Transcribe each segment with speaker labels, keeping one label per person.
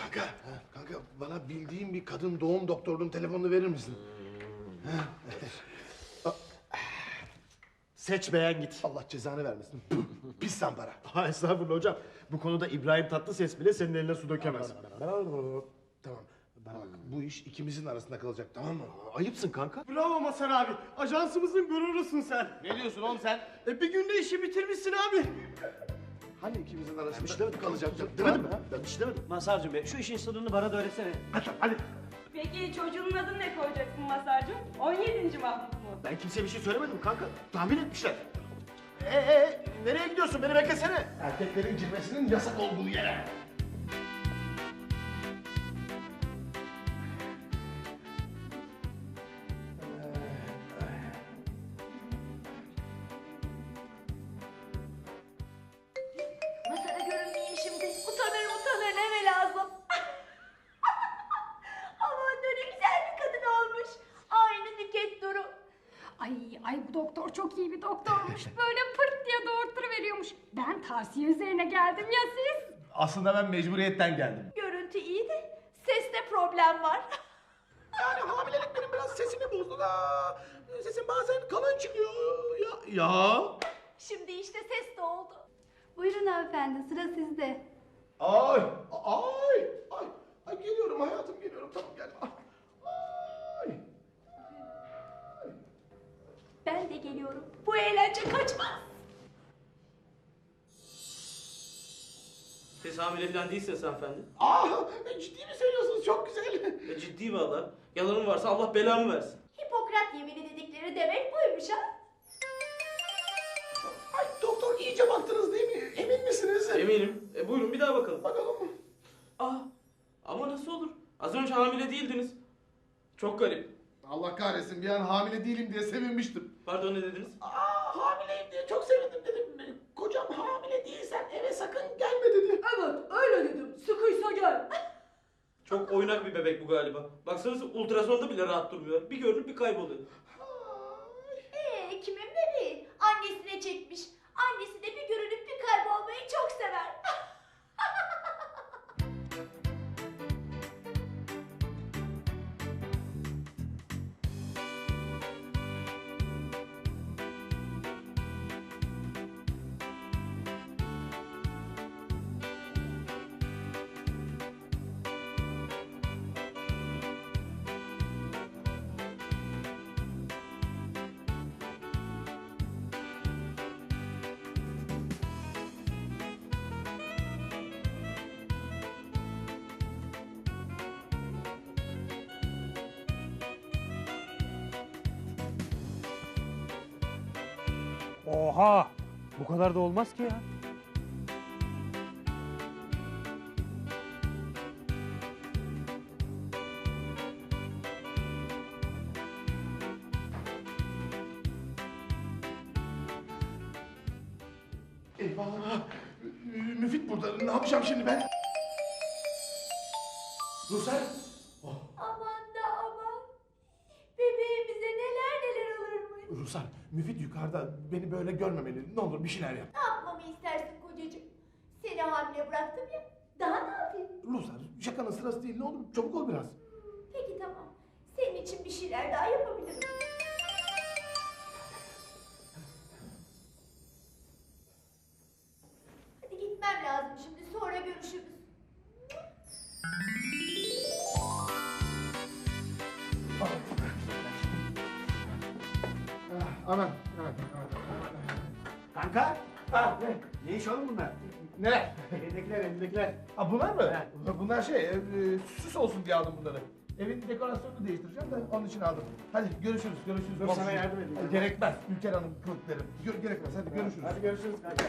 Speaker 1: Kanka bana bildiğin bir kadın doğum doktorunun telefonunu verir misin?
Speaker 2: Seç beğen git.
Speaker 1: Allah cezanı vermesin. Pis zampara.
Speaker 2: Ha, estağfurullah hocam. Bu konuda İbrahim Tatlıses bile senin eline su dökemez.
Speaker 1: Tamam. Bana bak, bu iş ikimizin arasında kalacak, tamam mı?
Speaker 2: Ayıpsın kanka.
Speaker 3: Bravo Mazhar abi. Ajansımızın gururusun sen.
Speaker 1: Ne diyorsun oğlum sen?
Speaker 3: Bir günde işi bitirmişsin abi.
Speaker 1: Hani ikimizin arasında
Speaker 2: Bir şey demedim.
Speaker 1: kalacak?
Speaker 2: Demedim mi? Ben bir şey demedim.
Speaker 4: Mazhar'cığım be, şu işin sırrını bana da öğretsene.
Speaker 2: Hadi.
Speaker 5: Peki çocuğun adını ne koyacaksın Mazhar'cığım? 17. Mahmut mu?
Speaker 2: Ben kimseye bir şey söylemedim kanka. Tahmin etmişler. Nereye gidiyorsun? Beni beklesene.
Speaker 1: Erkeklerin girmesinin yasak olduğu yere.
Speaker 5: Mazhar'a görünmeyeyim şimdi. Utanır neme lazım. Aman ne güzel bir kadın olmuş. Aynı Nüket Duru.
Speaker 6: Ay bu doktor çok iyi bir doktormuş. Böyle pırt diye doğurtturuveriyormuş. Ben tavsiye üzerine geldim ya siz?
Speaker 1: Aslında ben mecburiyetten geldim.
Speaker 5: Görüntü iyi de seste problem var.
Speaker 1: Yani hamilelik benim biraz sesimi bozdu da. Sesim bazen kalın çıkıyor. Ya.
Speaker 5: Şimdi işte ses de oldu. Buyurun hanımefendi, sıra sizde.
Speaker 1: Ay. Ay geliyorum hayatım, geliyorum. Tamam gel. Ay.
Speaker 5: Ben de geliyorum. Bu eğlence kaçmaz.
Speaker 7: Siz hamile falan değilsiniz hanımefendi.
Speaker 1: Ciddi mi söylüyorsunuz? Çok güzel.
Speaker 7: Ciddi valla. Yalanım varsa Allah belamı versin.
Speaker 5: Hipokrat yemini dedikleri demek buymuş ha.
Speaker 1: Ay doktor, iyice baktınız değil mi? Emin misiniz?
Speaker 7: Eminim. Buyurun bir daha bakalım.
Speaker 1: Bakalım mı?
Speaker 7: Ama nasıl olur? Az önce hamile değildiniz. Çok garip.
Speaker 1: Allah kahretsin, bir an hamile değilim diye sevinmiştim.
Speaker 7: Pardon ne dediniz?
Speaker 1: Hamileyim diye çok sevindim dedim. Kocam hamile değilsen eve sakın gelme dedi.
Speaker 5: Evet öyle dedim. Sıkıysa gel.
Speaker 7: Çok oynak bir bebek bu galiba. Baksanıza ultrasonda bile rahat durmuyor. Bir görünüp bir kayboluyor.
Speaker 5: Kimin bebeği? Annesine çekmiş. Annesi de bir görünüp bir kaybolmayı çok sever.
Speaker 4: Oha! Bu kadar da olmaz ki ya.
Speaker 1: Eyvah! Müfit burada. Ne yapacağım şimdi ben? Rusel!
Speaker 5: Aman da aman. Bebeğimize neler olurmuş.
Speaker 1: Rusel, Müfit yukarıda. Beni böyle görmemeli. Ne olur bir şeyler yap.
Speaker 5: Ne yapmamı istersin kocacığım? Seni hamile bıraktım ya. Daha ne yapayım?
Speaker 1: Rusel, şakanın sırası değil. Ne olur çabuk ol biraz.
Speaker 5: Peki tamam. Senin için bir şeyler daha yapabilirim. Hadi gitmem lazım şimdi. Sonra görüşürüz.
Speaker 1: Aman.
Speaker 4: Kanka! Ne iş oğlum bunlar?
Speaker 1: Ne?
Speaker 4: Elindekiler.
Speaker 1: Bunlar mı? Bunlar süs olsun diye aldım bunları. Evin dekorasyonunu değiştireceğim de onun için aldım. Hadi görüşürüz.
Speaker 4: Dur, sana yardım edeyim.
Speaker 1: Gerekmez. Ülker Hanım kılıklarım. Gerekmez. Hadi görüşürüz.
Speaker 4: Hadi görüşürüz kanka.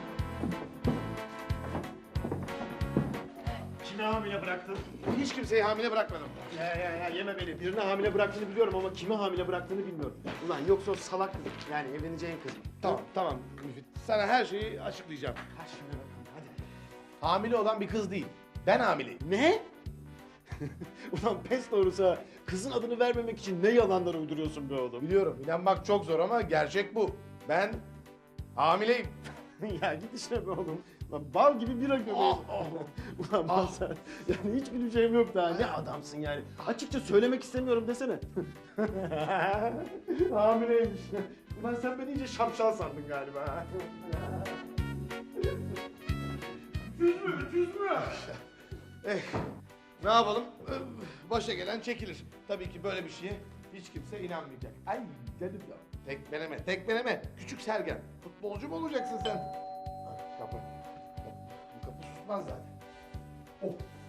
Speaker 4: Kimi hamile bıraktın?
Speaker 1: Hiç kimseyi hamile bırakmadım.
Speaker 4: Ya yeme beni. Birini hamile bıraktığını biliyorum ama kimi hamile bıraktığını bilmiyorum. Ulan yoksa o salak kız. Yani evleneceğin kız.
Speaker 1: Tamam Müfit. Sana her şeyi açıklayacağım.
Speaker 4: Ha şimdi bakalım hadi.
Speaker 1: Hamile olan bir kız değil. Ben hamileyim.
Speaker 4: Ne? Ulan pes doğrusu kızın adını vermemek için ne yalanlar uyduruyorsun be oğlum.
Speaker 1: Biliyorum, inanmak çok zor ama gerçek bu. Ben hamileyim.
Speaker 4: Ya git işine be oğlum. Lan bal gibi bira göbeği. Ulan Mazhar, yani hiç güleceğim yok daha. Ne adamsın yani. Açıkça söylemek istemiyorum desene. Hamileymiş. Ulan sen beni iyice şapşal sandın galiba.
Speaker 1: Ne yapalım? Başa gelen çekilir. Tabii ki böyle bir şeye hiç kimse inanmayacak. Ay canım ya. Tekmeleme, tekmeleme. Küçük Sergen. Futbolcu mu olacaksın sen? Ah, kapı. Bu kapı susmaz zaten. Oh.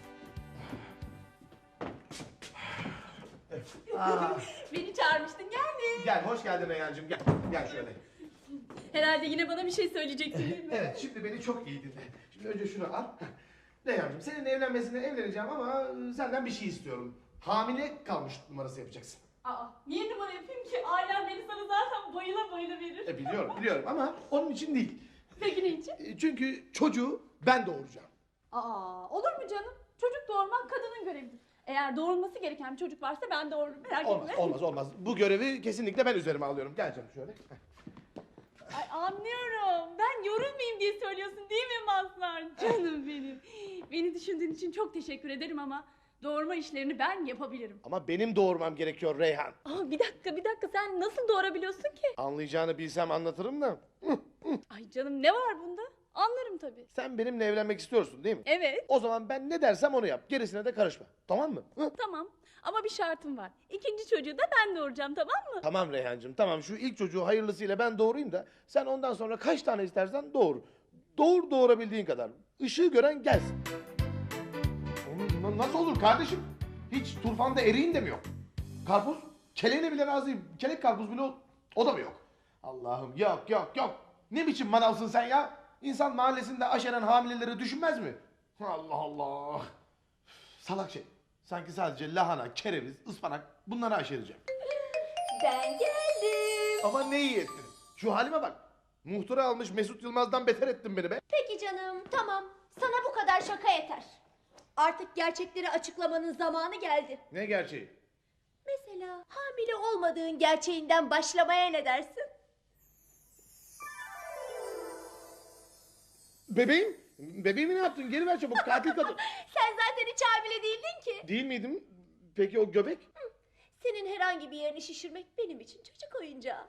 Speaker 5: Beni çağırmıştın geldim.
Speaker 1: Gel, hoş geldin Reyhancığım. Gel, gel şöyle.
Speaker 5: Herhalde yine bana bir şey söyleyeceksin değil mi?
Speaker 1: Evet, şimdi beni çok iyi dinle. Şimdi önce şunu al. Reyhancığım, seninle evleneceğim ama senden bir şey istiyorum. Hamile kalmış numarası yapacaksın.
Speaker 5: Aa, niye numara yapayım ki? Ailem beni sana zaten bayıla bayıla verir.
Speaker 1: Biliyorum ama onun için değil.
Speaker 5: Peki ne için?
Speaker 1: Çünkü çocuğu ben doğuracağım.
Speaker 5: Aa, olur mu canım? Çocuk doğurmak kadının görevidir. Eğer doğurulması gereken bir çocuk varsa ben doğururum. Merak etme.
Speaker 1: Olmaz. Bu görevi kesinlikle ben üzerime alıyorum. Gel canım şöyle.
Speaker 5: Ay anlıyorum. Ben yorulmayayım diye söylüyorsun değil mi Mazhar? Canım benim. Beni düşündüğün için çok teşekkür ederim ama doğurma işlerini ben yapabilirim.
Speaker 1: Ama benim doğurmam gerekiyor Reyhan.
Speaker 5: Aa, bir dakika sen nasıl doğurabiliyorsun ki?
Speaker 1: Anlayacağını bilsem anlatırım da.
Speaker 5: Ay canım ne var bunda? Anlarım tabii.
Speaker 1: Sen benimle evlenmek istiyorsun değil mi?
Speaker 5: Evet.
Speaker 1: O zaman ben ne dersem onu yap. Gerisine de karışma. Tamam mı?
Speaker 5: Tamam ama bir şartım var. İkinci çocuğu da ben doğuracağım tamam mı?
Speaker 1: Tamam Reyhancığım tamam. Şu ilk çocuğu hayırlısıyla ben doğurayım da sen ondan sonra kaç tane istersen doğur. Doğurabildiğin kadar. Işığı gören gelsin. Nasıl olur kardeşim? Hiç turfanda eriğin de mi yok? Karpuz? Keleğine bile razıyım. Kelek karpuz bile o da mı yok? Allah'ım yok. Ne biçim manavsın sen ya? İnsan mahallesinde aşeren hamileleri düşünmez mi? Allah Allah. Salak şey. Sanki sadece lahana, kereviz, ıspanak bunları aşereceğim.
Speaker 5: Ben geldim.
Speaker 1: Ama ne iyi ettin. Şu halime bak. Muhtıra almış Mesut Yılmaz'dan beter ettin beni be.
Speaker 5: Peki canım tamam. Sana bu kadar şaka yeter. Artık gerçekleri açıklamanın zamanı geldi.
Speaker 1: Ne gerçeği?
Speaker 5: Mesela hamile olmadığın gerçeğinden başlamaya ne dersin?
Speaker 1: Bebeğimi ne yaptın? Geri ver çabuk katil kadın.
Speaker 5: Sen zaten hiç hamile değildin ki.
Speaker 1: Değil miydim? Peki o göbek?
Speaker 5: Senin herhangi bir yerini şişirmek benim için çocuk oyuncağı.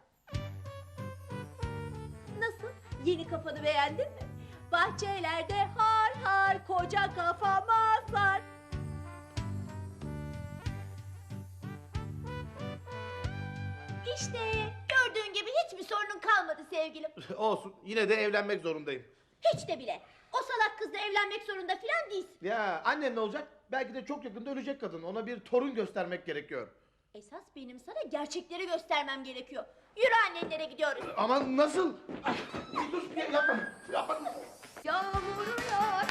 Speaker 5: Nasıl? Yeni kafanı beğendin mi? Bahçelerde har har koca kafa Mazhar. İşte gördüğün gibi hiçbir sorunun kalmadı sevgilim.
Speaker 1: Olsun. Yine de evlenmek zorundayım.
Speaker 5: Hiç de bile. O salak kızla evlenmek zorunda filan değilsin.
Speaker 1: Ya annem ne olacak? Belki de çok yakında ölecek kadın. Ona bir torun göstermek gerekiyor.
Speaker 5: Esas benim sana gerçekleri göstermem gerekiyor. Yürü annenlere gidiyoruz.
Speaker 1: Ama nasıl? Dur yapma.
Speaker 8: Yağmur yağar,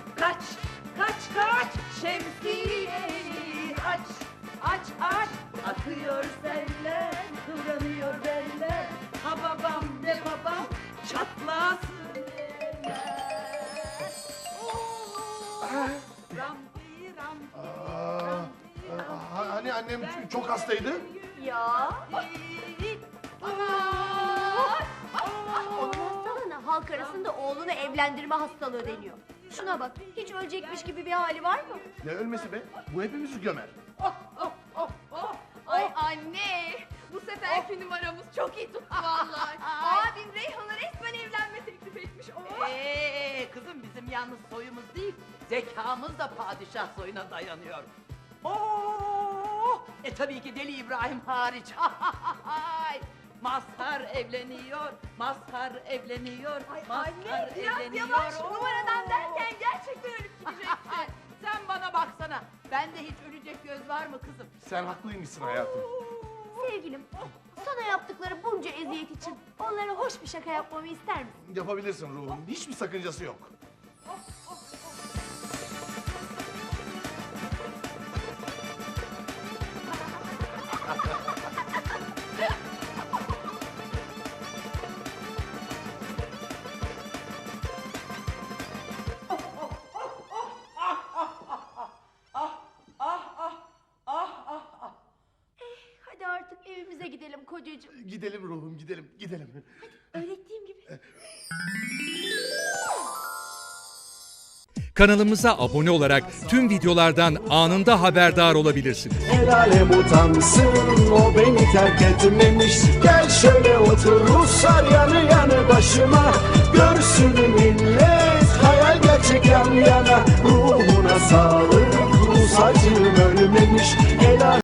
Speaker 8: kaç, şemsiyeni aç, akıyor seller, kıvranıyor beller, ha babam ne babam, çatlasın eller. Rampi,
Speaker 1: Hani annem çok hastaydı?
Speaker 5: Ya. Onun hastalığına halk arasında oğlunu evlendirme hastalığı deniyor. Şuna bak, hiç ölecekmiş gibi bir hali var mı?
Speaker 1: Ne ölmesi be? Bu hepimizi gömer.
Speaker 8: Ay anne, bu seferki numaramız çok iyi tuttu vallahi. Abim Reyhan'a resmen evlenme teklif etmiş.
Speaker 9: Kızım bizim yalnız soyumuz değil, zekamız da padişah soyuna dayanıyor. Tabii ki Deli İbrahim hariç. Mazhar evleniyor.
Speaker 8: Ay
Speaker 9: Mazhar
Speaker 8: anne, biraz
Speaker 9: evleniyor.
Speaker 8: yavaş numaradan derken gerçekten ölüp gideceksin.
Speaker 9: Sen bana baksana. Bende hiç ölecek göz var mı kızım?
Speaker 1: Sen haklıymışsın hayatım.
Speaker 5: Sevgilim, sana yaptıkları bunca eziyet için onlara hoş bir şaka yapmamı ister misin?
Speaker 1: Yapabilirsin ruhum. Hiçbir sakıncası yok.
Speaker 5: Hadi artık evimize gidelim kocacığım.
Speaker 1: Gidelim ruhum gidelim.
Speaker 5: Öğrettiğim gibi.
Speaker 10: kanalımıza abone olarak tüm videolardan anında haberdar olabilirsiniz.
Speaker 11: El alem utansın, o beni terk etmemiş. Gel şöyle otur Ruslar yanı yanı başıma. Görsün millet, hayal gerçek yan yana. Ruhuna sağlık, Rus acım ölmemiş. El alem